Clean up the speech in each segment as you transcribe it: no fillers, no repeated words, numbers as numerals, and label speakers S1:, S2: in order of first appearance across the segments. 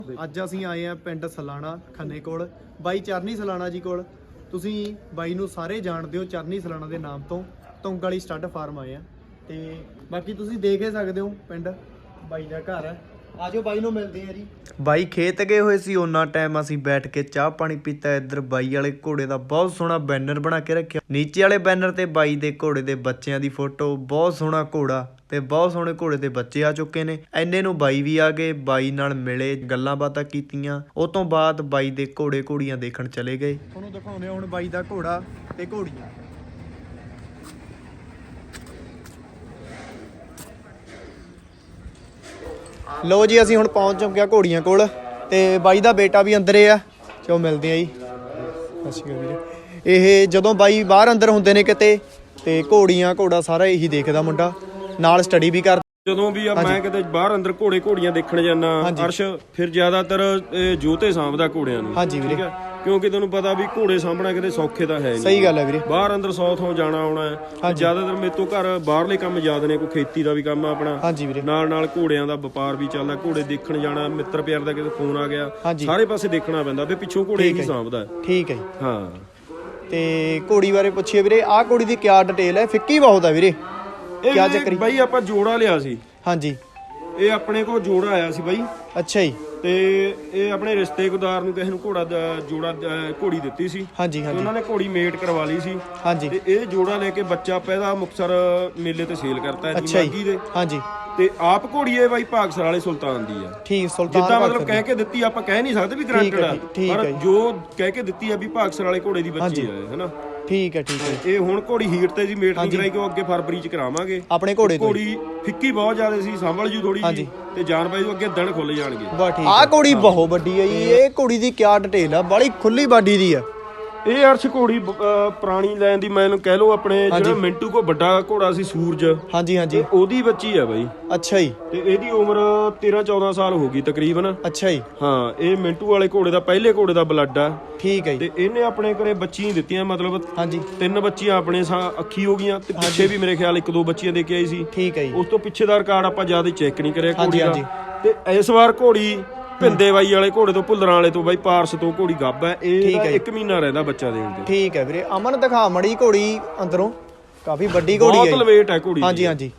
S1: ਅੱਜ ਅਸੀਂ ਆਏ ਆ ਪਿੰਡ ਸਲਾਣਾ ਖੰਨੇ ਕੋਲ ਬਾਈ ਚਰਨੀ ਸਲਾਣਾ ਜੀ ਕੋਲ। ਤੁਸੀਂ ਬਾਈ ਨੂੰ ਸਾਰੇ ਜਾਣਦੇ ਹੋ ਚਰਨੀ ਸਲਾਣਾ ਦੇ ਨਾਮ ਤੋਂ। ਤੁੰਗ ਵਾਲੀ ਸਟੱਡ ਫਾਰਮ ਆਏ ਆ ਤੇ ਬਾਕੀ ਤੁਸੀਂ ਦੇਖ ਹੀ ਸਕਦੇ ਹੋ ਪਿੰਡ ਬਾਈ ਦਾ ਘਰ ਹੈ। ਆਜੋ ਬਾਈ ਨੂੰ ਮਿਲਦੇ ਆ ਜੀ। ਬਾਈ ਖੇਤ ਗਏ ਹੋਏ ਸੀ, ਉਹਨਾਂ ਟਾਈਮ ਅਸੀਂ ਬੈਠ ਕੇ ਚਾਹ ਪਾਣੀ ਪੀਤਾ। ਇੱਧਰ ਬਾਈ ਵਾਲੇ ਘੋੜੇ ਦਾ ਬਹੁਤ ਸੋਹਣਾ ਬੈਨਰ ਬਣਾ ਕੇ ਰੱਖਿਆ। ਨੀਚੇ ਵਾਲੇ ਬੈਨਰ ਤੇ ਬਾਈ ਦੇ ਘੋੜੇ ਦੇ ਬੱਚਿਆਂ ਦੀ ਫੋਟੋ। ਬਹੁਤ ਸੋਹਣਾ ਘੋੜਾ ਤੇ ਬਹੁਤ ਸੋਹਣੇ ਘੋੜੇ ਦੇ ਬੱਚੇ ਆ ਚੁੱਕੇ ਨੇ। ਐਨੇ ਨੂੰ ਬਾਈ ਵੀ ਆ ਗਏ, ਬਾਈ ਨਾਲ ਮਿਲੇ, ਗੱਲਾਂ ਬਾਤਾਂ ਕੀਤੀਆਂ। ਉਹ ਤੋਂ ਬਾਅਦ ਬਾਈ ਦੇ ਘੋੜੇ ਘੋੜੀਆਂ ਦੇਖਣ ਚਲੇ ਗਏ। ਤੁਹਾਨੂੰ ਦਿਖਾਉਂਦੇ ਹੁਣ ਬਾਈ ਦਾ ਘੋੜਾ ਤੇ ਘੋੜੀਆਂ। ਲੋ ਜੀ ਅਸੀਂ ਹੁਣ ਪਹੁੰਚ ਚੁੱਕੇ ਆ ਘੋੜੀਆਂ ਕੋਲ ਤੇ ਬਾਈ ਦਾ ਬੇਟਾ ਵੀ ਅੰਦਰੇ ਆ। ਚਲੋ ਮਿਲਦੇ ਆ ਜੀ। ਅੱਛਾ ਵੀਰੇ, ਇਹ ਜਦੋਂ ਬਾਈ ਬਾਹਰ ਅੰਦਰ ਹੁੰਦੇ ਨੇ ਕਿਤੇ ਤੇ ਘੋੜੀਆਂ ਘੋੜਾ ਸਾਰਾ ਇਹੀ ਦੇਖਦਾ ਮੁੰਡਾ, ਨਾਲ ਸਟੱਡੀ ਵੀ ਕਰਦਾ।
S2: ਜਦੋਂ ਵੀ ਮੈਂ ਕਿਤੇ ਬਾਹਰ ਅੰਦਰ ਘੋੜੇ ਘੋੜੀਆਂ ਦੇਖਣ ਜਾਂਦਾ ਅਰਸ਼, ਫਿਰ ਜ਼ਿਆਦਾਤਰ ਜੋਤੇ ਸਾਂਭਦਾ ਘੋੜਿਆਂ ਨੂੰ।
S1: ਹਾਂਜੀ ਵੀਰੇ,
S2: ਕਿਉਂਕਿ ਤੈਨੂੰ ਪਤਾ ਵੀ ਘੋੜੇ ਸਾਂਭਣਾ ਕਿਤੇ ਸੌਖੇ ਤਾਂ ਹੈ ਨਹੀਂ।
S1: ਸਹੀ ਗੱਲ ਹੈ ਵੀਰੇ। ਬਾਹਰ
S2: ਅੰਦਰ 100 ਥਾਂ ਜਾਣਾ ਆਉਣਾ ਹੈ। ਜ਼ਿਆਦਾਤਰ ਮੇਰੇ ਤੋਂ ਘਰ ਬਾਹਰਲੇ ਕੰਮ ਜ਼ਿਆਦਾ ਨੇ, ਕੋਈ ਖੇਤੀ ਦਾ ਵੀ ਕੰਮ ਆ ਆਪਣਾ।
S1: ਹਾਂਜੀ ਵੀਰੇ,
S2: ਨਾਲ ਨਾਲ ਘੋੜਿਆਂ ਦਾ ਵਪਾਰ ਵੀ ਚੱਲਦਾ। ਘੋੜੇ ਦੇਖਣ ਜਾਣਾ, ਮਿੱਤਰ ਪਿਆਰ ਦਾ ਕਿਤੇ ਫੋਨ ਆ ਗਿਆ, ਸਾਰੇ ਪਾਸੇ ਦੇਖਣਾ ਪੈਂਦਾ ਵੀ ਪਿੱਛੋਂ ਘੋੜੇ ਹੀ ਸਾਂਭਦਾ।
S1: ਠੀਕ ਹੈ ਜੀ।
S2: ਹਾਂ,
S1: ਤੇ ਘੋੜੀ ਬਾਰੇ ਪੁੱਛੀਏ ਵੀਰੇ, ਆਹ ਘੋੜੀ ਦੀ ਕਿਆ ਡਿਟੇਲ ਹੈ? ਫਿੱਕੀ ਬਹੁਤ ਹੈ ਵੀਰੇ, ਕਿਆ ਚੱਕਰ?
S2: ਬਾਈ ਆਪਾਂ ਜੋੜਾ ਲਿਆ ਸੀ।
S1: ਹਾਂਜੀ,
S2: ਇਹ ਆਪਣੇ ਕੋਲ ਜੋੜਾ ਆਇਆ ਸੀ ਬਾਈ।
S1: ਅੱਛਾ ਜੀ।
S2: ਤੇ ਇਹ ਆਪਣੇ ਰਿਸ਼ਤੇਦਾਰ ਨੂੰ ਕਿਸੇ ਨੂੰ ਘੋੜਾ ਜੋੜਾ ਘੋੜੀ ਦਿੱਤੀ ਸੀ।
S1: ਹਾਂਜੀ ਹਾਂਜੀ,
S2: ਉਹਨਾਂ ਨੇ ਘੋੜੀ ਮੇਟ ਕਰਵਾ ਲਈ ਸੀ। ਹਾਂਜੀ, ਤੇ ਇਹ ਜੋੜਾ ਲੈ ਕੇ ਬੱਚਾ ਪੈਦਾ ਮੁਕਤਸਰ ਮੇਲੇ ਤੇ ਸੇਲ ਕਰਤਾ ਹੈ ਮਾਗੀ ਦੇ। ਹਾਂਜੀ, ਤੇ ਆਪ ਘੋੜੀ ਇਹ ਬਾਈ ਭਾਗਸਰ ਵਾਲੇ ਸੁਲਤਾਨ ਦੀ ਆ। ਠੀਕ, ਸੁਲਤਾਨ ਜਿੱਦਾਂ ਮਤਲਬ ਕਹਿ ਕੇ ਦਿੱਤੀ, ਆਪਾਂ ਕਹਿ ਨਹੀਂ ਸਕਦੇ ਵੀ ਗਰੰਟਡ ਆ, ਪਰ ਜੋ ਕਹਿ ਕੇ ਦਿੱਤੀ ਆ ਵੀ ਭਾਗਸਰ ਵਾਲੇ ਘੋੜੇ ਦੀ ਬੱਚੀ ਆ, ਹੈਨਾ। ਠੀਕ ਹੈ ਠੀਕ ਹੈ। ਇਹ ਹੁਣ ਘੋੜੀ ਹੀਟ ਤੇ ਜੀ ਮੇਟ ਨਹੀਂ ਕਰਾਈ, ਕਿ ਅੱਗੇ ਫਰਵਰੀ ਚ ਕਰਾਵਾਂਗੇ ਆਪਣੇ ਘੋੜੇ। ਘੋੜੀ ਫਿੱਕੀ ਬਹੁਤ ਜ਼ਿਆਦਾ ਸੀ, ਸੰਭਲ ਜੂ ਥੋੜੀ ਜੀ, ਤੇ ਜਾਨ ਬਾਈ ਤੋਂ ਅੱਗੇ ਦਿਨ ਖੁੱਲ ਜਾਣਗੇ। ਆਹ ਘੋੜੀ ਬਹੁਤ ਵੱਡੀ ਹੈ ਜੀ। ਇਹ ਘੋੜੀ ਦੀ ਕਿਆ ਡਿਟੇਲ ਆ? ਬੜੀ ਖੁੱਲੀ ਬਾਡੀ ਦੀ ਆ ਇਹ। ਅਰਸ਼ ਘੋੜੀ ਪੁਰਾਣੀ ਲੈਣ ਦੀ, ਮੈਨੂੰ ਕਹਿ ਲਓ ਆਪਣੇ ਜਿਹੜਾ ਮਿੰਟੂ ਕੋ ਵੱਡਾ ਘੋੜਾ ਸੀ ਸੂਰਜ, ਹਾਂਜੀ ਹਾਂਜੀ, ਉਹਦੀ ਬੱਚੀ ਆ ਬਾਈ। ਅੱਛਾ ਜੀ। ਤੇ ਇਹਦੀ ਉਮਰ 13-14 ਸਾਲ ਹੋ ਗਈ ਤਕਰੀਬਨ। ਅੱਛਾ ਜੀ। ਹਾਂ, ਇਹ ਮਿੰਟੂ ਵਾਲੇ ਘੋੜੇ ਦਾ ਪਹਿਲੇ ਘੋੜੇ ਦਾ ਬਲੱਡ ਆ। ਠੀਕ ਹੈ ਜੀ। ਤੇ ਇਹਨੇ ਆਪਣੇ ਘਰੇ ਬੱਚੀਆਂ ਦਿੱਤੀਆਂ, ਮਤਲਬ 3 ਬੱਚੀਆਂ ਆਪਣੇ ਅੱਖੀ ਹੋ ਗਈਆਂ, ਤੇ ਪਿੱਛੇ ਵੀ ਮੇਰੇ ਖਿਆਲ 1-2 ਬੱਚੀਆਂ ਦੇ ਕੇ ਆਈ ਸੀ। ਠੀਕ ਹੈ ਜੀ। ਉਸ ਤੋਂ ਪਿੱਛੇ ਦਾ ਰਿਕਾਰਡ ਆਪਾਂ ਜ਼ਿਆਦਾ ਚੈੱਕ ਨਹੀਂ ਕਰਿਆ ਘੋੜੀ ਦਾ। ਤੇ ਇਸ ਵਾਰ ਘੋੜੀ ਭਿੰਦੇ ਬਾਈ ਵਾਲੇ ਘੋੜੇ ਤੋਂ, ਭੁੱਲਰਾਂ ਵਾਲੇ ਤੋਂ, ਬਾਈ ਪਾਰਸ ਤੋਂ ਘੋੜੀ ਗੱਭ ਹੈ। ਇਹ 1 ਮਹੀਨਾ ਰਹਿੰਦਾ ਬੱਚਾ ਦੇਣ ਤੇ। ਠੀਕ ਹੈ ਵੀਰੇ। ਅਮਨ ਦਿਖਾ ਮੜੀ ਘੋੜੀ ਅੰਦਰੋਂ, ਕਾਫੀ ਵੱਡੀ ਘੋੜੀ ਹੈ, ਬਹੁਤ ਲਵੇਟ ਹੈ ਘੋੜੀ। ਹਾਂਜੀ ਹਾਂਜੀ,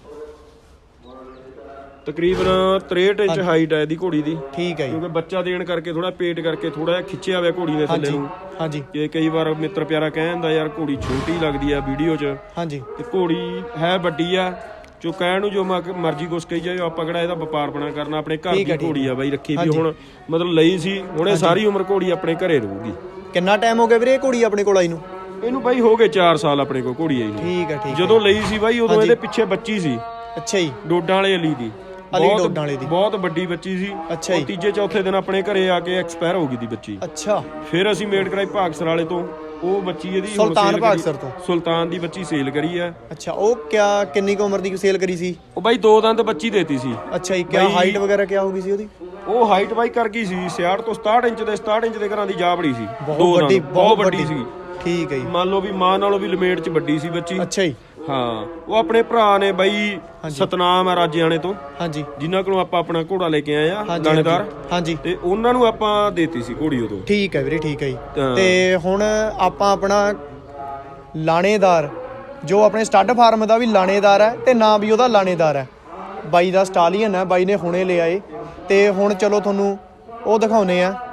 S2: ਤਕਰੀਬਨ 63 ਇੰਚ ਹਾਈਟ ਹੈ ਇਹਦੀ ਘੋੜੀ ਦੀ। ਠੀਕ ਹੈ ਜੀ। ਕਿਉਂਕਿ ਬੱਚਾ ਦੇਣ ਕਰਕੇ ਥੋੜਾ ਪੇਟ ਕਰਕੇ ਥੋੜਾ ਜਿਹਾ ਖਿੱਚਿਆ ਹੋਇਆ ਘੋੜੀ ਨੇ ਥੱਲੇ ਨੂੰ। ਹਾਂਜੀ, ਕਿ ਕਈ ਵਾਰ ਮਿੱਤਰ ਪਿਆਰਾ ਕਹਿ ਜਾਂਦਾ ਯਾਰ ਘੋੜੀ ਛੋਟੀ ਲੱਗਦੀ ਆ ਵੀਡੀਓ 'ਚ। ਹਾਂਜੀ, ਤੇ ਘੋੜੀ ਹੈ ਵੱਡੀ ਆ। ਜੋ ਕਹਿਣ ਨੂੰ ਜੋ ਮਰਜ਼ੀ ਕੁਛ ਕਹੀ ਜਾਏ, ਆਪਾਂ ਕਿਹੜਾ ਇਹਦਾ ਵਪਾਰ ਬਣਾ ਕਰਨਾ। ਆਪਣੇ ਘਰ ਦੀ ਘੋੜੀ ਆ ਬਾਈ, ਰੱਖੀ ਵੀ ਹੁਣ ਮਤਲਬ ਲਈ ਸੀ, ਹੁਣ ਇਹ ਸਾਰੀ ਉਮਰ ਘੋੜੀ ਆਪਣੇ ਘਰੇ ਰਹੂਗੀ। ਕਿੰਨਾ ਟਾਈਮ ਹੋ ਗਿਆ ਵੀਰੇ ਘੋੜੀ ਆਪਣੇ ਕੋਲ ਆਈ ਨੂੰ? ਇਹਨੂੰ ਬਾਈ ਹੋ ਗਏ 4 ਸਾਲ ਆਪਣੇ ਕੋਲ ਘੋੜੀ ਆਈ ਨੂੰ। ਠੀਕ ਹੈ ਠੀਕ ਹੈ। ਜਦੋਂ ਲਈ ਸੀ ਬਾਈ ਉਦੋਂ ਇਹਦੇ ਪਿੱਛੇ ਬੱਚੀ ਸੀ। ਅੱਛਾ ਜੀ। ਡੋਡਾਂ ਵਾਲੇ ਅਲੀ ਦੀ, ਬਹੁਤ ਵੱਡੀ ਬੱਚੀ ਸੀ। ਅੱਛਾ ਜੀ। ਤੀਜੇ ਚੌਥੇ ਦਿਨ ਆਪਣੇ ਘਰੇ ਆ ਕੇ ਐਕਸਪਾਇਰ ਹੋ ਗਈ ਦੀ ਬੱਚੀ। ਅੱਛਾ। ਫਿਰ ਅਸੀਂ ਮੇਡ ਕਰਾਈ ਭਾਗਸਰ ਵਾਲੇ ਤੋਂ, ਉਹ ਬੱਚੀ ਇਹਦੀ ਸੁਲਤਾਨ ਭਾਗਸਰ ਤੋਂ, ਸੁਲਤਾਨ ਦੀ ਬੱਚੀ ਸੇਲ ਕਰੀ ਆ। ਅੱਛਾ, ਉਹ ਕਿੰਨੀ ਕੁ ਉਮਰ ਦੀ ਸੇਲ ਕਰੀ ਸੀ? ਉਹ ਬਾਈ 2 ਦੰਦ ਬੱਚੀ ਦੇਤੀ ਸੀ। ਅੱਛਾ ਜੀ। ਕਿਆ ਹਾਈਟ ਵਗੈਰਾ ਕਿਆ ਹੋ ਗਈ ਸੀ ਉਹਦੀ? ਉਹ ਹਾਈਟ ਬਾਈ ਕਰ ਗਈ ਸੀ 66 ਤੋਂ 67 ਇੰਚ ਦੇ, 67 ਇੰਚ ਦੇ ਘਰਾਂ ਦੀ ਜਾ ਬੜੀ ਸੀ। ਬਹੁਤ ਵੱਡੀ ਸੀ। ਠੀਕ ਹੈ ਜੀ। ਮੰਨ ਲਓ ਵੀ ਮਾਂ ਨਾਲੋਂ ਵੀ ਲਮੇਟ ਚ ਵੱਡੀ ਸੀ ਬੱਚੀ। ਅੱਛਾ ਜੀ। ਹਾਂ, ਉਹ ਆਪਣੇ ਭਰਾ ਨੇ ਬਾਈ ਸਤਨਾਮ ਆ ਰਾਜਿਆਣੇ ਤੋਂ। ਹਾਂਜੀ, ਜਿਨ੍ਹਾਂ ਕੋਲੋਂ ਆਪਾਂ ਆਪਣਾ ਘੋੜਾ ਲੈ ਕੇ ਆਏ ਆ, ਲਾਣੇਦਾਰ। ਹਾਂਜੀ, ਤੇ ਉਹਨਾਂ ਨੂੰ ਆਪਾਂ ਦੇਤੀ ਸੀ ਘੋੜੀ ਉਦੋਂ। ਠੀਕ ਹੈ ਵੀਰੇ, ਠੀਕ ਹੈ ਜੀ। ਤੇ ਹੁਣ ਆਪਾਂ ਆਪਣਾ ਲਾਣੇਦਾਰ, ਜੋ ਆਪਣੇ ਸਟੱਡ ਫਾਰਮ ਦਾ ਵੀ ਲਾਣੇਦਾਰ ਹੈ ਤੇ ਨਾਂ ਵੀ ਉਹਦਾ ਲਾਣੇਦਾਰ ਹੈ, ਬਾਈ ਦਾ ਸਟਾਲੀਅਨ ਹੈ। ਬਾਈ ਨੇ ਹੁਣੇ ਲਿਆ ਏ, ਤੇ ਹੁਣ ਚਲੋ ਤੁਹਾਨੂੰ ਉਹ ਦਿਖਾਉਨੇ ਆ।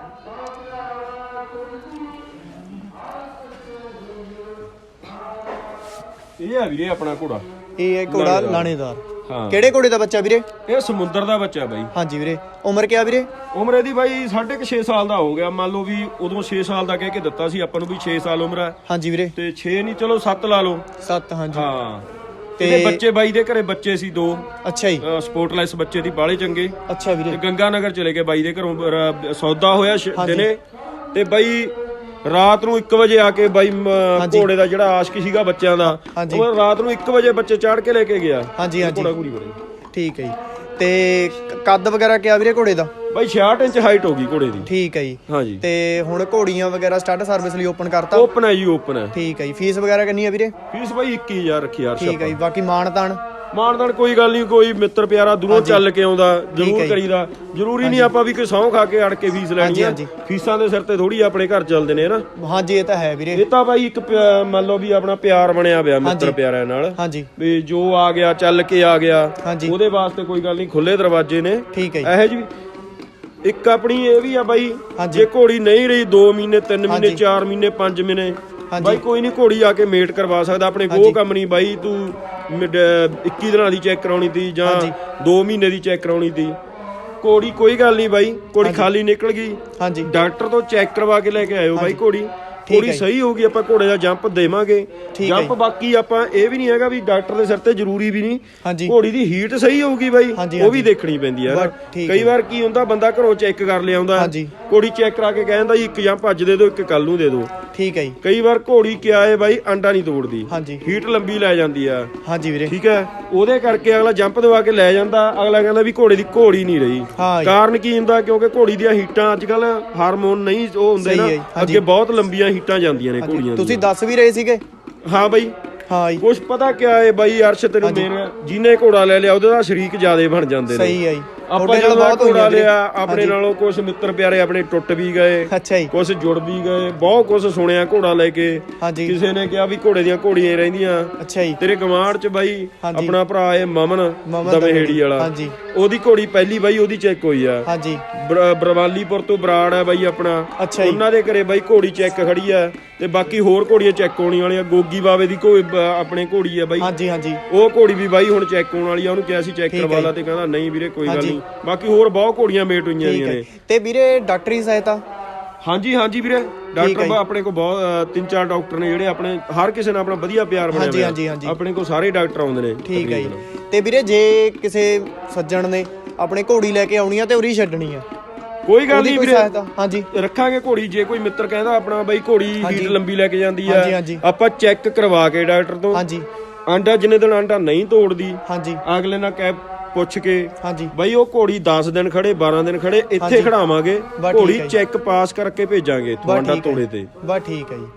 S2: ਇਹ ਆ ਵੀਰੇ ਆਪਣਾ ਘੋੜਾ। ਇਹ ਹੈ ਘੋੜਾ ਲਾਣੇਦਾਰ। ਹਾਂ। ਕਿਹੜੇ ਘੋੜੇ ਦਾ ਬੱਚਾ ਵੀਰੇ? ਇਹ ਸਮੁੰਦਰ ਦਾ ਬੱਚਾ ਬਾਈ। ਹਾਂਜੀ ਵੀਰੇ। ਉਮਰ ਕਿਆ ਵੀਰੇ? ਉਮਰ ਇਹਦੀ ਬਾਈ 6.5 ਸਾਲ ਦਾ ਹੋ ਗਿਆ। ਮੰਨ ਲਓ ਵੀ ਉਦੋਂ 6 ਸਾਲ ਦਾ ਕਹਿ ਕੇ ਦਿੱਤਾ ਸੀ ਆਪਾਂ ਨੂੰ ਵੀ 6 ਸਾਲ ਉਮਰ ਹੈ। ਹਾਂਜੀ ਵੀਰੇ। ਤੇ 6 ਨਹੀਂ, ਚਲੋ 7 ਲਾ ਲਓ। 7, ਹਾਂਜੀ। ਹਾਂ, ਤੇ ਬੱਚੇ ਬਾਈ ਦੇ ਘਰੇ ਬੱਚੇ ਸੀ 2। ਅੱਛਾ ਜੀ। ਸਪੋਰਟਲੈਸ ਬੱਚੇ ਦੀ, ਬਾਲੇ ਚੰਗੇ। ਅੱਛਾ ਵੀਰੇ। ਤੇ ਗੰਗਾ ਨਗਰ ਚਲੇ ਗਏ ਬਾਈ ਦੇ ਘਰੋਂ, ਸੌਦਾ ਹੋਇਆ ਦਿਨੇ, ਤੇ ਬਾਈ ਰਾਤ ਨੂੰ 1 ਵਜੇ ਆ ਕੇ ਬਾਈ ਘੋੜੇ ਦਾ ਜਿਹੜਾ ਆਸ਼ਕ ਸੀਗਾ ਬੱਚਿਆਂ ਦਾ, ਉਹ ਰਾਤ ਨੂੰ 1 ਵਜੇ ਬੱਚੇ ਚਾੜ ਕੇ ਲੈ ਕੇ ਗਿਆ। ਹਾਂਜੀ ਹਾਂਜੀ। ਘੋੜਾ ਘੂੜੀ ਬੜੇ। ਠੀਕ ਹੈ ਜੀ। ਤੇ ਕੱਦ ਵਗੈਰਾ ਕਿਆ ਵੀਰੇ ਘੋੜੇ ਦਾ? ਬਾਈ 66 ਇੰਚ ਹਾਈਟ ਹੋ ਗਈ ਘੋੜੇ ਦੀ। ਠੀਕ ਹੈ ਜੀ। ਹਾਂਜੀ। ਤੇ ਹੁਣ ਘੋੜੀਆਂ ਵਗੈਰਾ ਸਟੱਡ ਸਰਵਿਸ ਲਈ ਓਪਨ ਕਰਤਾ? ਓਪਨ ਹੈ ਜੀ, ਓਪਨ ਹੈ। ਠੀਕ ਹੈ ਜੀ। ਫੀਸ ਵਗੈਰਾ ਕਿੰਨੀ ਹੈ ਵੀਰੇ? ਫੀਸ ਬਾਈ 21,000 ਰੱਖੀ ਯਾਰ। ਠੀਕ ਹੈ ਜੀ। ਬਾਕੀ ਮਾਣ ਤਾਣ? ਮਾਨਦਾਨ ਕੋਈ ਗੱਲ ਨਹੀਂ, ਕੋਈ ਮਿੱਤਰ ਪਿਆਰਾ ਦੂਰੋਂ ਚੱਲ ਕੇ ਆਉਂਦਾ ਜ਼ਰੂਰ ਕਰੀਦਾ। ਜ਼ਰੂਰੀ ਨਹੀਂ ਆਪਾਂ ਵੀ ਕੋਈ ਸਹੁੰ ਖਾ ਕੇ ਅੜ ਕੇ ਫੀਸ ਲੈਣੀ ਆ, ਫੀਸਾਂ ਦੇ ਸਿਰ ਤੇ ਥੋੜੀ ਆਪਣੇ ਘਰ ਚੱਲਦੇ ਨੇ ਨਾ।
S1: ਹਾਂਜੀ ਇਹ ਤਾਂ ਹੈ ਵੀਰੇ,
S2: ਇਹ ਤਾਂ ਬਾਈ ਇੱਕ ਮੰਨ ਲਓ ਵੀ ਆਪਣਾ ਪਿਆਰ ਬਣਿਆ ਪਿਆ ਮਿੱਤਰ ਪਿਆਰਿਆਂ ਨਾਲ।
S1: ਹਾਂਜੀ
S2: ਵੀ ਜੋ ਆ ਗਿਆ ਚੱਲ ਕੇ ਆ ਗਿਆ, ਉਹਦੇ ਵਾਸਤੇ ਕੋਈ ਗੱਲ ਨਹੀਂ, ਖੁੱਲੇ ਦਰਵਾਜ਼ੇ ਨੇ।
S1: ਠੀਕ ਹੈ
S2: ਇਹੋ ਜਿਹੀ ਇੱਕ ਆਪਣੀ ਇਹ ਵੀ ਆ ਬਾਈ, ਜੇ ਘੋੜੀ ਨਹੀਂ ਰਹੀ 2 ਮਹੀਨੇ 3 ਮਹੀਨੇ 4 ਮਹੀਨੇ 5 ਮਹੀਨੇ, ਬਾਈ ਕੋਈ ਨਹੀਂ, ਘੋੜੀ ਆ ਕੇ ਮੇਟ ਕਰਵਾ ਸਕਦਾ। ਆਪਣੇ ਕੋਲ ਕੰਮ ਨਹੀਂ ਬਾਈ, ਤੂੰ 21 ਦਿਨਾਂ ਦੀ ਚੈੱਕ ਕਰਾਉਣੀ ਤੀ ਜਾਂ 2 ਮਹੀਨੇ ਦੀ ਚੈੱਕ ਕਰਾਉਣੀ ਤੀ, ਘੋੜੀ ਕੋਈ ਗੱਲ ਨਹੀਂ ਬਾਈ, ਘੋੜੀ ਖਾਲੀ ਨਿਕਲ ਗਈ, ਡਾਕਟਰ ਤੋਂ ਚੈੱਕ ਕਰਵਾ ਕੇ ਲੈ ਕੇ ਆਇਓ ਬਾਈ। ਘੋੜੀ ਸਹੀ ਹੋਊਗੀ, ਆਪਾਂ ਘੋੜੇ ਦਾ ਜੰਪ ਦੇਵਾਂਗੇ। ਜੰਪ ਬਾਕੀ ਆਪਾਂ ਇਹ ਵੀ ਨਹੀਂ ਹੈਗਾ ਵੀ ਡਾਕਟਰ ਦੇ ਸਿਰ ਤੇ ਜ਼ਰੂਰੀ ਵੀ ਨਹੀਂ, ਘੋੜੀ ਦੀ ਹੀਟ ਸਹੀ ਹੋਊਗੀ ਬਾਈ, ਉਹ ਵੀ ਦੇਖਣੀ ਪੈਂਦੀ ਹੈ। ਕਈ ਵਾਰ ਕੀ ਹੁੰਦਾ, ਬੰਦਾ ਘਰੋਂ ਚੈੱਕ ਕਰ ਲਿਆਉਂਦਾ, ਘੋੜੀ ਚੈੱਕ ਕਰਾ ਕੇ ਕਹਿੰਦਾ ਜੀ ਇੱਕ ਜੰਪ ਅੱਜ ਦੇ ਦਿਓ, ਇੱਕ ਕੱਲ ਨੂੰ ਦੇ ਦਿਓ।
S1: ਠੀਕ ਹੈ ਜੀ।
S2: ਕਈ ਵਾਰ ਘੋੜੀ ਕਿਆ ਹੈ ਬਾਈ, ਅੰਡਾ ਨਹੀਂ ਤੋੜਦੀ, ਹੀਟ ਲੰਬੀ ਲੈ ਜਾਂਦੀ ਆ।
S1: ਹਾਂਜੀ ਵੀਰੇ
S2: ਠੀਕ ਹੈ, ਉਹਦੇ ਕਰਕੇ ਅਗਲਾ ਜੰਪ ਦਵਾ ਕੇ ਲੈ ਜਾਂਦਾ, ਅਗਲਾ ਕਹਿੰਦਾ ਵੀ ਘੋੜੇ ਦੀ ਘੋੜੀ ਨਹੀਂ ਰਹੀ। ਕਾਰਨ ਕੀ ਹੁੰਦਾ, ਕਿਉਂਕਿ ਘੋੜੀ ਦੀਆਂ ਹੀਟਾਂ ਅੱਜ ਕੱਲ ਹਾਰਮੋਨ ਨਹੀਂ ਉਹ ਹੁੰਦੇ ਨਾ, ਅੱਗੇ ਬਹੁਤ ਲੰਬੀਆਂ ਹੀਟਾਂ ਜਾਂਦੀਆਂ ਨੇ ਘੋੜੀਆਂ।
S1: ਤੁਸੀਂ ਦੱਸ ਵੀ ਰਹੇ ਸੀਗੇ।
S2: ਹਾਂ ਬਾਈ, ਕੁਛ ਪਤਾ ਕਿਆ ਹੈ ਬਾਈ ਅਰਸ਼, ਤੈਨੂੰ ਜਿਹਨੇ ਘੋੜਾ ਲੈ ਲਿਆ ਉਹਦੇ ਦਾ ਸ਼ਰੀਕ ਜ਼ਿਆਦੇ ਬਣ ਜਾਂਦੇ ਨੇ।
S1: ਸਹੀ ਹੈ ਜੀ।
S2: ਆਪਾਂ ਜਦੋਂ ਘੋੜਾ ਲਿਆ, ਆਪਣੇ ਨਾਲੋਂ ਕੁਛ ਮਿੱਤਰ ਪਿਆਰੇ ਆਪਣੇ ਟੁੱਟ ਵੀ ਗਏ, ਕੁਛ ਜੁੜ ਵੀ ਗਏ, ਬਹੁਤ ਕੁਛ ਸੁਣਿਆ ਘੋੜਾ ਲੈ ਕੇ। ਕਿਸੇ ਨੇ ਕਿਹਾ ਵੀ ਘੋੜੇ ਦੀਆਂ ਘੋੜੀਆਂ ਰਹਿੰਦੀਆਂ। ਤੇਰੇ ਗਵਾਂਢ ਚ ਬਾਈ ਆਪਣਾ ਭਰਾ ਹੈ ਮਮਨ ਦਮਹੇੜੀ ਵਾਲਾ, ਉਹਦੀ ਘੋੜੀ ਪਹਿਲੀ ਬਾਈ ਉਹਦੀ ਚੈੱਕ ਹੋਈ ਆ। ਬਰਵਾਲੀਪੁਰ ਤੋਂ ਬਰਾੜ ਹੈ ਬਾਈ ਆਪਣਾ, ਉਹਨਾਂ ਦੇ ਘਰੇ ਬਾਈ ਘੋੜੀ ਚੈੱਕ ਖੜੀ ਆ, ਤੇ ਬਾਕੀ ਹੋਰ ਘੋੜੀਆਂ ਚੈੱਕ ਹੋਣੀ ਵਾਲੀਆਂ। ਗੋਗੀ ਬਾਵੇ ਦੀ ਆਪਣੇ ਘੋੜੀ ਆ ਬਾਈ, ਉਹ ਘੋੜੀ ਵੀ ਬਾਈ ਹੁਣ ਚੈੱਕ ਹੋਣ ਵਾਲੀ ਆ। ਉਹਨੂੰ ਕਿਹਾ ਸੀ ਚੈੱਕ ਕਰਵਾ ਲਾ, ਤੇ ਕਹਿੰਦਾ ਨਹੀਂ ਵੀਰੇ ਕੋਈ ਗੱਲ ਨਹੀਂ। ਬਾਕੀ ਹੋਰ ਬਹੁਤ ਘੋੜੀਆਂ ਮੇਟ ਹੋਈਆਂ ਨੇ।
S1: ਤੇ ਵੀਰੇ ਡਾਕਟਰੀ ਸਹਾਇਤਾ?
S2: ਹਾਂਜੀ ਵੀਰੇ, ਡਾਕਟਰ ਆਪਣੇ ਕੋਲ ਬਹੁਤ 3-4 ਡਾਕਟਰ ਨੇ ਜਿਹੜੇ ਆਪਣੇ ਹਰ ਕਿਸੇ ਨਾਲ ਆਪਣਾ ਵਧੀਆ ਪਿਆਰ ਬਣਿਆ ਹੋਇਆ। ਆਪਣੇ ਕੋਲ ਸਾਰੇ ਡਾਕਟਰ ਆਉਂਦੇ ਨੇ।
S1: ਠੀਕ ਹੈ ਜੀ। ਤੇ ਵੀਰੇ ਜੇ ਕਿਸੇ ਸੱਜਣ ਨੇ ਆਪਣੇ ਘੋੜੀ ਲੈ ਕੇ ਆਉਣੀ ਆ ਤੇ ਉਰੀ ਛੱਡਣੀ ਆ,
S2: ਕੋਈ ਗੱਲ ਨਹੀਂ ਵੀਰੇ,
S1: ਹਾਂਜੀ
S2: ਰੱਖਾਂਗੇ ਘੋੜੀ। ਜੇ ਕੋਈ ਮਿੱਤਰ ਕਹਿੰਦਾ ਆਪਣਾ ਬਾਈ ਘੋੜੀ ਹੀਟ ਲੰਬੀ ਲੈ ਕੇ ਜਾਂਦੀ ਆ, ਆਪਾਂ ਚੈੱਕ ਕਰਵਾ ਕੇ ਡਾਕਟਰ ਤੋਂ, ਆਂਡਾ ਜਿੰਨੇ ਦਿਨ ਆਂਡਾ ਨਹੀਂ ਤੋੜਦੀ, ਅਗਲੇ ਨਾਲ ਕਹਿ ਪੁੱਛ ਕੇ ਬਾਈ ਉਹ ਘੋੜੀ 10 ਦਿਨ ਖੜੇ 12 ਦਿਨ ਖੜੇ ਇੱਥੇ ਖੜਾਵਾਂਗੇ, ਘੋੜੀ ਚੈੱਕ ਪਾਸ ਕਰਕੇ ਭੇਜਾਂਗੇ ਆਂਡਾ ਤੋੜੇ ਤੇ।
S1: ਬਸ ਠੀਕ ਹੈ ਜੀ।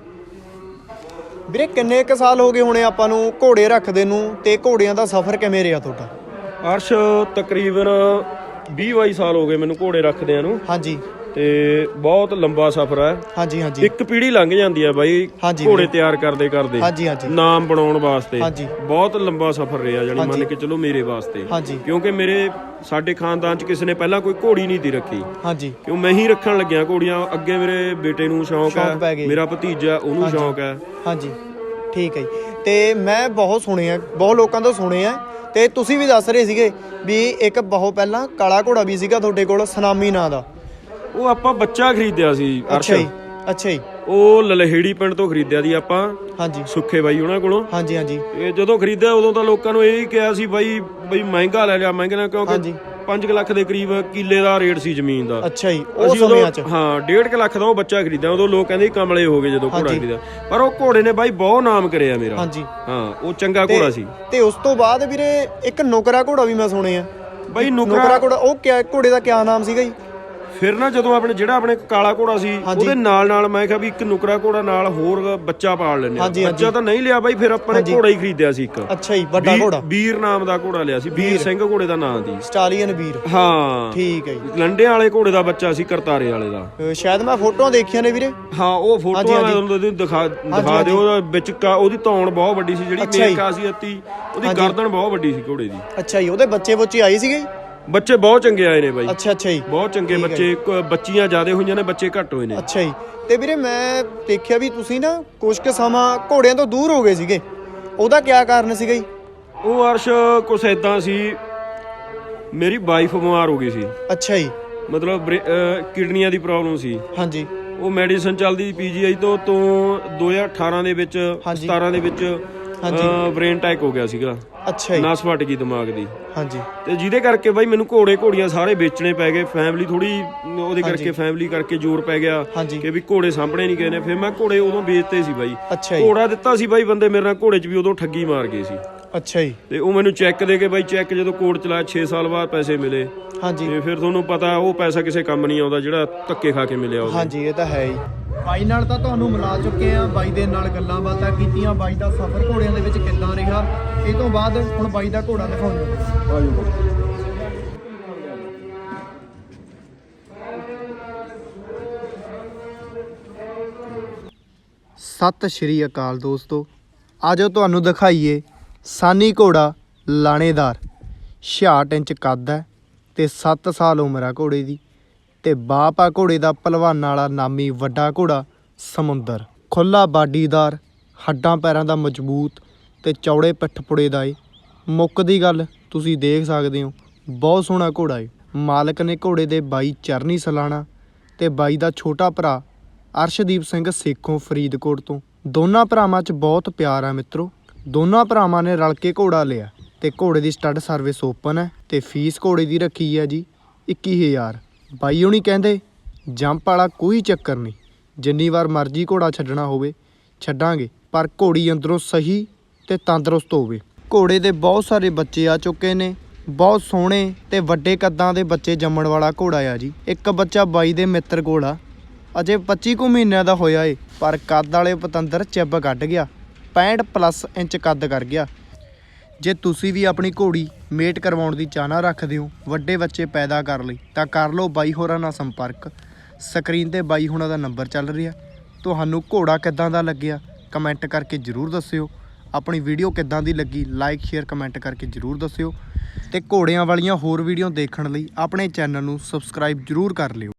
S1: ਵੀਰੇ ਕਿੰਨੇ ਕੁ ਸਾਲ ਹੋ ਗਏ ਹੋਣੇ ਆਪਾਂ ਨੂੰ ਘੋੜੇ ਰੱਖਦੇ ਨੂੰ, ਤੇ ਘੋੜਿਆਂ ਦਾ ਸਫ਼ਰ ਕਿਵੇਂ ਰਿਹਾ ਤੁਹਾਡਾ?
S2: ਅਰਸ਼ ਤਕਰੀਬਨ 20-22 ਸਾਲ ਹੋ ਗਏ ਮੈਨੂੰ ਘੋੜੇ ਰੱਖਦਿਆਂ ਨੂੰ। ਤੇ ਬਹੁਤ ਲੰਬਾ ਸਫ਼ਰ ਹੈ। ਇੱਕ ਪੀੜ੍ਹੀ ਲੰਘ ਜਾਂਦੀ ਹੈ ਬਾਈ ਘੋੜੇ ਤਿਆਰ ਕਰਦੇ ਨਾਮ ਬਣਾਉਣ ਵਾਸਤੇ। ਬਹੁਤ ਲੰਬਾ ਸਫ਼ਰ ਰਿਹਾ, ਜਾਨੀ ਮੰਨ ਕੇ ਚਲੋ ਮੇਰੇ ਵਾਸਤੇ, ਕਿਉਂਕਿ ਸਾਡੇ ਖਾਨਦਾਨ ਚ ਕਿਸੇ ਨੇ ਪਹਿਲਾਂ ਕੋਈ ਘੋੜੀ ਨਹੀਂ ਦੀ ਰੱਖੀ, ਕਿਉਂ ਮੈਂ ਹੀ ਰੱਖਣ ਲੱਗਿਆ ਘੋੜੀਆਂ। ਅੱਗੇ ਮੇਰੇ ਬੇਟੇ ਨੂੰ ਸ਼ੌਂਕ ਹੈ, ਮੇਰਾ ਭਤੀਜਾ ਉਹਨੂੰ ਸ਼ੌਂਕ ਹੈ।
S1: ਠੀਕ ਹੈ ਜੀ। ਤੇ ਮੈਂ ਬਹੁਤ ਸੁਣਿਆ, ਬਹੁਤ ਲੋਕਾਂ ਤੋਂ ਸੁਣਿਆ, ਤੇ ਤੁਸੀਂ ਵੀ ਦੱਸ ਰਹੇ ਸੀਗੇ ਵੀ ਇੱਕ ਬਹੁਤ ਪਹਿਲਾਂ ਕਾਲਾ ਘੋੜਾ ਵੀ ਸੀਗਾ ਤੁਹਾਡੇ ਕੋਲ, ਸਨਾਮੀ ਨਾਂ ਦਾ।
S2: ਉਹ ਆਪਾਂ ਬੱਚਾ ਖਰੀਦਿਆ ਸੀ।
S1: ਅੱਛਾ ਜੀ।
S2: ਉਹ ਲਲਹੇੜੀ ਪਿੰਡ ਤੋਂ ਖਰੀਦਿਆ ਸੀ ਆਪਾਂ, ਸੁੱਖੇ ਬਾਈ ਉਹਨਾਂ ਕੋਲੋਂ। ਇਹ ਜਦੋਂ ਖਰੀਦਿਆ ਉਦੋਂ ਤਾਂ ਲੋਕਾਂ ਨੂੰ ਇਹ ਕਿਹਾ ਸੀ ਬਾਈ ਮਹਿੰਗਾ ਲੈ ਲਿਆ, ਮਹਿੰਗੇ ਨਾਲ, ਕਿਉਂਕਿ 5 ਲੱਖ ਦੇ ਕਰੀਬ ਕਿੱਲੇ ਦਾ ਰੇਟ ਸੀ ਜ਼ਮੀਨ ਦਾ।
S1: ਉਹ ਸਮਿਆਂ ਚ
S2: 1.5 ਲੱਖ ਦਾ ਉਹ ਬੱਚਾ ਖਰੀਦਿਆ। ਉਦੋਂ ਲੋਕ ਕਹਿੰਦੇ ਕਮਲੇ ਹੋ ਗਏ ਜਦੋਂ ਘੋੜਾ ਖਰੀਦਿਆ, ਪਰ ਉਹ ਘੋੜੇ ਨੇ ਬਾਈ ਬਹੁਤ ਨਾਮ ਕਰਿਆ ਮੇਰਾ। ਉਹ ਚੰਗਾ ਘੋੜਾ ਸੀ।
S1: ਤੇ ਉਸ ਤੋਂ ਬਾਅਦ ਵੀਰੇ ਇੱਕ ਨੁਕਰਾ ਘੋੜਾ ਵੀ ਮੈਂ ਸੁਣਿਆ ਬਾਈ। ਨੁਕਰਾ ਘੋੜਾ ਉਹ ਘੋੜੇ ਦਾ ਕਿਆ ਨਾਮ ਸੀਗਾ ਜੀ?
S2: ਫਿਰ ਨਾ ਜਦੋਂ ਆਪਣੇ ਕਾਲਾ ਘੋੜਾ ਸੀ, ਉਹਦੇ ਨਾਲ ਮੈਂ ਕਿਹਾ ਵੀ ਇੱਕ ਨੁਕਰਾ ਘੋੜਾ ਨਾਲ ਹੋਰ ਬੱਚਾ ਪਾਲ ਲੈਂਦੇ ਆ। ਬੱਚਾ ਤਾਂ ਨਹੀਂ ਲਿਆ ਬਾਈ, ਫਿਰ ਆਪਾਂ ਨੇ ਘੋੜਾ ਹੀ ਖਰੀਦਿਆ ਸੀ ਇੱਕ।
S1: ਅੱਛਾ ਜੀ, ਵੱਡਾ ਘੋੜਾ
S2: ਵੀਰ ਨਾਮ ਦਾ ਘੋੜਾ ਲਿਆ ਸੀ, ਵੀਰ ਸਿੰਘ ਘੋੜੇ ਦਾ ਨਾਮ ਦੀ,
S1: ਸਟਾਲੀਅਨ ਵੀਰ। ਠੀਕ ਹੈ ਜੀ।
S2: ਲੰਡਿਆਂ ਵਾਲੇ ਘੋੜੇ ਦਾ ਬੱਚਾ ਸੀ, ਕਰਤਾਰੇ ਵਾਲੇ ਦਾ।
S1: ਸ਼ਾਇਦ ਮੈਂ ਫੋਟੋਆਂ ਦੇਖੀਆਂ ਨੇ ਵੀਰੇ। ਉਹ
S2: ਫੋਟੋਆਂ ਮੈਂ ਤੁਹਾਨੂੰ ਦਿਖਾ ਦਿਓ। ਵਿੱਚ ਉਹਦੀ ਧੌਣ ਬਹੁਤ ਵੱਡੀ ਸੀ, ਜਿਹੜੀ ਮੇਨ ਖਾਸੀਅਤ ਸੀ ਉਹਦੀ ਗਰਦਨ ਬਹੁਤ ਵੱਡੀ ਸੀ ਘੋੜੇ ਦੀ।
S1: ਅੱਛਾ ਜੀ। ਉਹਦੇ ਬੱਚੇ ਆਏ ਸੀਗੇ?
S2: ਬੱਚੇ ਬਹੁਤ ਚੰਗੇ ਆਏ ਨੇ ਬਾਈ।
S1: ਅੱਛਾ ਜੀ।
S2: ਬਹੁਤ ਚੰਗੇ ਬੱਚੇ, ਬੱਚੀਆਂ ਜ਼ਿਆਦਾ ਹੋਈਆਂ ਨੇ, ਬੱਚੇ ਘੱਟ ਹੋਏ ਨੇ।
S1: ਅੱਛਾ ਜੀ। ਤੇ ਵੀਰੇ ਮੈਂ ਦੇਖਿਆ ਵੀ ਤੁਸੀਂ ਨਾ ਕੁਝ ਕੁ ਸਮਾਂ ਘੋੜਿਆਂ ਤੋਂ ਦੂਰ ਹੋ ਗਏ ਸੀਗੇ, ਉਹਦਾ ਕੀ ਕਾਰਨ ਸੀਗਾ ਜੀ?
S2: ਉਹ ਅਰਸ਼ ਕੁਛ ਏਦਾਂ ਸੀ, ਮੇਰੀ ਵਾਈਫ ਬਿਮਾਰ ਹੋ ਗਈ ਸੀ। ਅੱਛਾ ਜੀ। ਮਤਲਬ ਕਿਡਨੀਆਂ ਦੀ ਪ੍ਰੋਬਲਮ ਸੀ। ਉਹ ਮੈਡੀਸਨ ਚੱਲਦੀ PGI ਤੋਂ 2018 ਦੇ ਵਿੱਚ 17 ਦੇ ਵਿੱਚ ਬ੍ਰੇਨ ਅਟੈਕ ਹੋ ਗਿਆ ਸੀਗਾ। ਅੱਛਾ ਜੀ। ਨਸ ਫਟ ਗਈ ਦਿਮਾਗ ਦੀ। ਤੇ ਜਿਹਦੇ ਕਰਕੇ ਬਾਈ ਮੈਨੂੰ ਘੋੜੀਆਂ ਸਾਰੇ ਵੇਚਣੇ ਪੈ ਗਏ। ਫੈਮਿਲੀ ਥੋੜੀ ਉਹਦੇ ਕਰਕੇ, ਫੈਮਿਲੀ ਕਰਕੇ ਜ਼ੋਰ ਪੈ ਗਿਆ ਕਿ ਵੀ ਘੋੜੇ ਸਾਂਭਣੇ ਨਹੀਂ ਗਏ ਨੇ। ਫਿਰ ਮੈਂ ਘੋੜੇ ਉਦੋਂ ਵੇਚਤੇ ਸੀ ਬਾਈ। ਘੋੜਾ ਦਿੱਤਾ ਸੀ ਬਾਈ ਬੰਦੇ ਮੇਰੇ ਨਾਲ, ਘੋੜੇ 'ਚ ਵੀ ਉਦੋਂ ਠੱਗੀ ਮਾਰ ਗਏ ਸੀ। ਅੱਛਾ ਜੀ। ਤੇ ਉਹ ਮੈਨੂੰ ਚੈੱਕ ਦੇ ਕੇ ਬਾਈ, ਚੈੱਕ ਜਦੋਂ ਕੋਰਟ ਚਲਾਇਆ 6 ਸਾਲ ਬਾਅਦ ਪੈਸੇ ਮਿਲੇ। ਤੇ ਫਿਰ ਤੁਹਾਨੂੰ ਪਤਾ ਉਹ ਪੈਸਾ ਕਿਸੇ ਕੰਮ ਨਹੀਂ ਆਉਂਦਾ ਜਿਹੜਾ ਧੱਕੇ ਖਾ ਕੇ ਮਿਲਿਆ।
S1: ਇਹ ਤਾਂ ਹੈ ਹੀ। ਬਾਈ ਨਾਲ ਤਾਂ ਤੁਹਾਨੂੰ ਮਿਲਾ ਚੁੱਕੇ ਆ, ਬਾਈ ਦੇ ਨਾਲ ਗੱਲਾਂ ਬਾਤਾਂ ਕੀਤੀਆਂ, ਬਾਈ ਦਾ ਸਫ਼ਰ ਘੋੜਿਆਂ ਦੇ ਵਿੱਚ ਕਿੱਦਾਂ ਰਿਹਾ। ਇਹ ਤੋਂ ਬਾਅਦ ਹੁਣ ਬਾਈ ਦਾ ਘੋੜਾ ਦਿਖਾਉਂਦੇ। ਸਤਿ ਸ਼੍ਰੀ ਅਕਾਲ ਦੋਸਤੋ, ਆਜੋ ਤੁਹਾਨੂੰ ਦਿਖਾਈਏ ਸਾਨੀ ਘੋੜਾ ਲਾਣੇਦਾਰ। 66 ਇੰਚ ਕੱਦ ਹੈ ਤੇ 7 ਸਾਲ ਉਮਰ ਆ ਘੋੜੇ ਦੀ, ਤੇ ਬਾਪ ਆ ਘੋੜੇ ਦਾ ਭਲਵਾਨਾਂ ਵਾਲਾ ਨਾਮੀ ਵੱਡਾ ਘੋੜਾ ਸਮੁੰਦਰ। ਖੁੱਲਾ ਬਾਡੀਦਾਰ, ਹੱਡਾਂ ਪੈਰਾਂ ਦਾ ਮਜ਼ਬੂਤ ਤੇ ਚੌੜੇ ਪਿੱਠਪੁੜੇ ਦਾ ਏ। ਮੁੱਕ ਦੀ ਗੱਲ ਤੁਸੀਂ ਦੇਖ ਸਕਦੇ ਹੋ, ਬਹੁਤ ਸੋਹਣਾ ਘੋੜਾ ਏ। ਮਾਲਕ ਨੇ ਘੋੜੇ ਦੇ ਬਾਈ ਚਰਨੀ ਸਲਾਣਾ ਤੇ ਬਾਈ ਦਾ ਛੋਟਾ ਭਰਾ ਅਰਸ਼ਦੀਪ ਸਿੰਘ ਸੇਖੋਂ ਫਰੀਦਕੋਟ ਤੋਂ। ਦੋਨਾਂ ਭਰਾਵਾਂ 'ਚ ਬਹੁਤ ਪਿਆਰ ਆ ਮਿੱਤਰੋ। ਦੋਨਾਂ ਭਰਾਵਾਂ ਨੇ ਰਲ ਕੇ ਘੋੜਾ ਲਿਆ ਤੇ ਘੋੜੇ ਦੀ ਸਟੱਡ ਸਰਵਿਸ ਓਪਨ ਹੈ ਤੇ ਫੀਸ ਘੋੜੇ ਦੀ ਰੱਖੀ ਹੈ ਜੀ 21,000। ਬਾਈ ਹੁਣੀ ਕਹਿੰਦੇ ਜੰਪ ਵਾਲਾ ਕੋਈ ਚੱਕਰ ਨਹੀਂ, ਜਿੰਨੀ ਵਾਰ ਮਰਜ਼ੀ ਘੋੜਾ ਛੱਡਣਾ ਹੋਵੇ ਛੱਡਾਂਗੇ, ਪਰ ਘੋੜੀ ਅੰਦਰੋਂ ਸਹੀ ਤੇ ਤੰਦਰੁਸਤ ਹੋਵੇ। ਘੋੜੇ ਦੇ ਬਹੁਤ ਸਾਰੇ ਬੱਚੇ ਆ ਚੁੱਕੇ ਨੇ, ਬਹੁਤ ਸੋਹਣੇ ਤੇ ਵੱਡੇ ਕੱਦਾਂ ਦੇ ਬੱਚੇ ਜੰਮਣ ਵਾਲਾ ਘੋੜਾ ਆ ਜੀ। ਇੱਕ ਬੱਚਾ ਬਾਈ ਦੇ ਮਿੱਤਰ ਕੋਲ ਆ, ਅਜੇ 25 ਕੁ ਮਹੀਨਿਆਂ ਦਾ ਹੋਇਆ ਏ, ਪਰ ਕੱਦ ਵਾਲੇ ਪਤੰਦਰ ਚਿੱਬ ਕੱਢ ਗਿਆ, 65+ ਇੰਚ ਕੱਦ ਕਰ ਗਿਆ। ਜੇ ਤੁਸੀਂ ਵੀ ਆਪਣੀ ਘੋੜੀ ਮੇਟ ਕਰਵਾਉਣ ਦੀ ਚਾਹਨਾ ਰੱਖਦੇ ਹੋ, ਵੱਡੇ ਬੱਚੇ ਪੈਦਾ ਕਰ ਲਈ, ਤਾਂ ਕਰ ਲਓ ਬਾਈ ਹੋਰਾਂ ਨਾਲ ਸੰਪਰਕ। ਸਕਰੀਨ ਤੇ ਬਾਈ ਹੋਰਾਂ ਦਾ ਨੰਬਰ ਚੱਲ ਰਿਹਾ। ਤੁਹਾਨੂੰ ਘੋੜਾ ਕਿੱਦਾਂ ਦਾ ਲੱਗਿਆ ਕਮੈਂਟ ਕਰਕੇ ਜ਼ਰੂਰ ਦੱਸਿਓ। ਆਪਣੀ ਵੀਡੀਓ ਕਿੱਦਾਂ ਦੀ ਲੱਗੀ ਲਾਈਕ ਸ਼ੇਅਰ ਕਮੈਂਟ ਕਰਕੇ ਜ਼ਰੂਰ ਦੱਸਿਓ, ਤੇ ਘੋੜਿਆਂ ਵਾਲੀਆਂ ਹੋਰ ਵੀਡੀਓ ਦੇਖਣ ਲਈ ਆਪਣੇ ਚੈਨਲ ਨੂੰ ਸਬਸਕ੍ਰਾਈਬ ਜ਼ਰੂਰ ਕਰ ਲਿਓ।